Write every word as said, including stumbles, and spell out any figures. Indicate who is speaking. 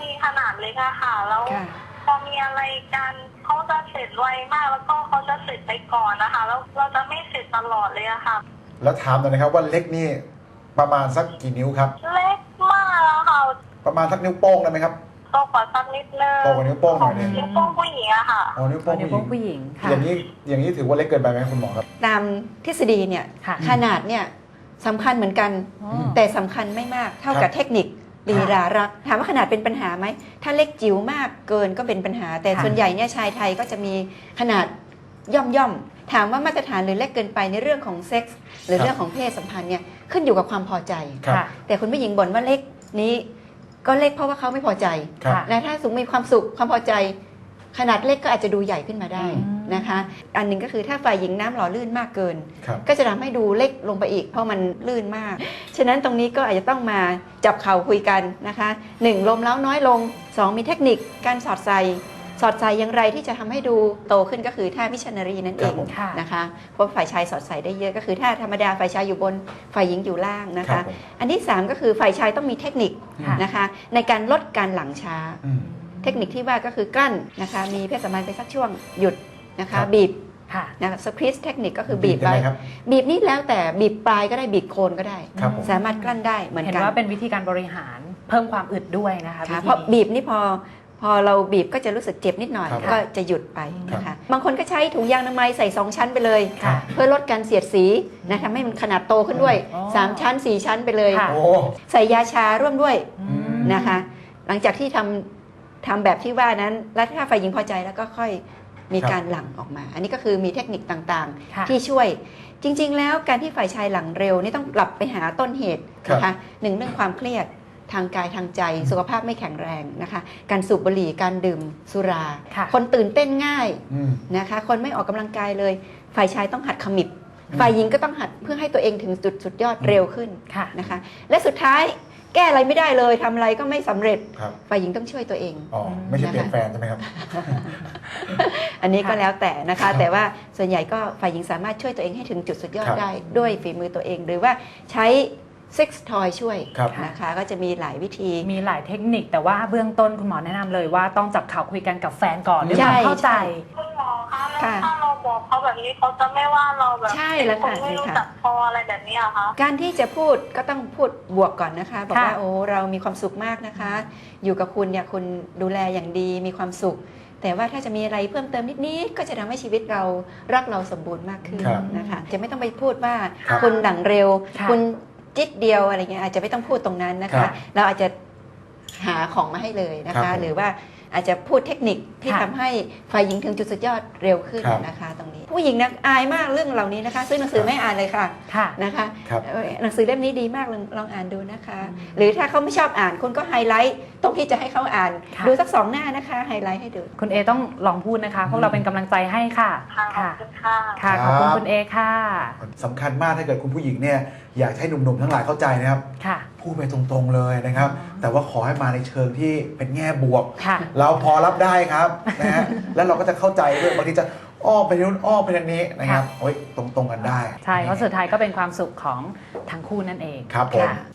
Speaker 1: มีขนาดเล็กอะค่ะแล้วพอมีอะไรกันเขาจะเสร็จไวมากแล้วก็เขาจะเสร็จไปก่อนนะคะแล้วเราจะไม่เสร็จตลอดเลยอะค่ะ
Speaker 2: แล้วถามหน่อยนะครับว่าเล็กนี่ประมาณสักกี่นิ้วครับ
Speaker 1: เล็กมากแล้วค่ะ
Speaker 2: ประมาณสักนิ้วโป้งได้ไหมครับ
Speaker 1: โตกว่าสักนิดนึง
Speaker 2: โตกว่านิ้วโป้งหน่อยนึง
Speaker 1: นิ้วโป้งผู้หญิงอะค่ะ
Speaker 2: อ๋อนิ้วโป้ง
Speaker 3: ผู้หญิง
Speaker 2: อย่างนี้อย่างนี้ถือว่าเล็กเกินไปไหมคุณหมอครับ
Speaker 4: ตามทฤษฎีเนี่ยขนาดเนี่ยสำคัญเหมือนกันแต่สำคัญไม่มากเท่ากับเทคนิคลีลารักถามว่าขนาดเป็นปัญหาไหมถ้าเล็กจิ๋วมากเกินก็เป็นปัญหาแต่ส่วนใหญ่เนี่ยชายไทยก็จะมีขนาดย่อมย่อมถามว่ามาตรฐานหรือเล็กเกินไปในเรื่องของเซ็กส์หรือเรื่องของเพศสัมพันธ์เนี่ยขึ้นอยู่กับความพอใจแต่คุณผู้หญิงบ่นว่าเล็กนี้ก็เล็กเพราะว่าเขาไม่พอใจและถ้าสูงมีความสุขความพอใจขนาดเล็กก็อาจจะดูใหญ่ขึ้นมาได้นะคะอันหนึ่งก็คือถ้าฝ่ายหญิงน้ำหล่อลื่นมากเกินก็จะทำให้ดูเล็กลงไปอีกเพราะมันลื่นมากฉะนั้นตรงนี้ก็อาจจะต้องมาจับเข่าคุยกันนะคะหนึ่งลมเล้าน้อยลงสองมีเทคนิคการสอดใส่สอดใส่อย่างไรที่จะทำให้ดูโตขึ้นก็คือท่ามิชชันนารีนั่นเองนะคะเพราะฝ่ายชายสอดใส่ได้เยอะก็คือท่าธรรมดาฝ่ายชายอยู่บนฝ่ายหญิงอยู่ล่างนะคะอันที่สามก็คือฝ่ายชายต้องมีเทคนิคนะคะในการลดการหลังช้าเทคนิคที่ว่าก็คือกลั้นนะคะมีเพศสัมพันธ์ไปสักช่วงหยุดนะคะบีบนะคะสควีซเทคนิคก็คือบีบไปบีบนี่แล้วแต่บีบปลายก็ได้บีบโคนก็ได้สามารถกลั้นได้เหมือนกัน
Speaker 3: เห็นว่าเป็นวิธีการบริหารเพิ่มความอึดด้วยนะคะ
Speaker 4: เพราะบีบนี่พอพอเราบีบก็จะรู้สึกเจ็บนิดหน่อยก็จะหยุดไปนะคะบางคนก็ใช้ถุงยางอนามัยใส่สองชั้นไปเลยเพื่อลดการเสียดสีนะทำให้มันขนาดโตขึ้นด้วยสามชั้นสี่ชั้นไปเลยใส่ยาชาร่วมด้วยนะคะหลังจากที่ทำทำแบบที่ว่านั้นแล้วถ้าฝ่ายหญิงพอใจแล้วก็ค่อยมีการหลั่งออกมาอันนี้ก็คือมีเทคนิคต่างๆที่ช่วยจริงๆแล้วการที่ฝ่ายชายหลั่งเร็วนี่ต้องกลับไปหาต้นเหตุนะคะหนึ่งเรื่องความเครียดทางกายทางใจสุขภาพไม่แข็งแรงนะคะการสูบบุหรี่การดื่มสุรา คนตื่นเต้นง่ายนะคะคนไม่ออกกำลังกายเลยฝ่ายชายต้องหัดขมิบฝ่ายหญิงก็ต้องหัดเพื่อให้ตัวเองถึงจุดสุดยอดเร็วขึ้นนะคะและสุดท้ายแก้อะไรไม่ได้เลยทำอะไรก็ไม่สำเร็จฝ่ายหญิงต้องช่วยตัวเอง
Speaker 2: อ๋อไม่ใช่เปลี่ยนแฟนใช่ไหมครับ
Speaker 4: อันนี้ก็แล้วแต่นะคะแต่ว่าส่วนใหญ่ก็ฝ่ายหญิงสามารถช่วยตัวเองให้ถึงจุดสุดยอดได้ด้วยฝีมือตัวเองหรือว่าใช้เซ็กซ์ทอยช่วยนะคะก็จะมีหลายวิธี
Speaker 3: มีหลายเทคนิคแต่ว่าเบื้องต้นคุณหมอแนะนำเลยว่าต้องจับเข่าคุยกันกับแฟนก่อนด้วยความเข้าใจ
Speaker 1: คุณหมอคะแล้วถ้าเราบอกเขาแบบนี้เขาจะไม่ว่าเราแบบเป็นคนไม่รู้จักพออะไรแบบนี้อะคะ
Speaker 4: การที่จะพูดก็ต้องพูดบวกก่อนนะคะบอกว่าโอ้เรามีความสุขมากนะคะอยู่กับคุณเนี่ยคุณดูแลอย่างดีมีความสุขแต่ว่าถ้าจะมีอะไรเพิ่มเติมนิดๆก็จะทำให้ชีวิตเรารักเราสมบูรณ์มากขึ้นนะคะจะไม่ต้องไปพูดว่าคุณหลังเร็วคุณจิตเดียวอะไรเงี้ยอาจจะไม่ต้องพูดตรงนั้นนะคะเราอาจจะหาของมาให้เลยนะคะหรือว่าอาจจะพูดเทคนิคที่ทำให้ฝ่ายหญิงถึงจุดสุดยอดเร็วขึ้นนะคะตรงนี้ผู้หญิงนักอายมากเรื่องเหล่านี้นะคะซื้อหนังสือไม่อ่านเลยค่ะนะคะหนังสือเล่มนี้ดีมากลองอ่านดูนะคะหรือถ้าเขาไม่ชอบอ่านคุณก็ไฮไลท์ตรงที่จะให้เขาอ่านดูสักสองหน้านะคะไฮไลท์ให้ดู
Speaker 3: คุณเอต้องลองพูดนะคะพวกเราเป็นกำลังใจให้ค่ะ
Speaker 1: ค่ะ
Speaker 3: ค่ะขอบคุณคุณเอค่ะ
Speaker 2: สำคัญมากถ้าเกิดคุณผู้หญิงเนี่ยอยากให้หนุ่มๆทั้งหลายเข้าใจนะครับพูดไปตรงๆเลยนะครับแต่ว่าขอให้มาในเชิงที่เป็นแง่บวกเราพอรับได้ครับนะฮะแล้วเราก็จะเข้าใจด้วยบางทีจะอ้อมไปนู้นอ้อมไปทางนี้นะครับโอ้ยตรงๆกันได้
Speaker 3: ใช่เพราะสุดท้ายก็เป็นความสุขของทั้งคู่นั่นเอง
Speaker 2: ครับผม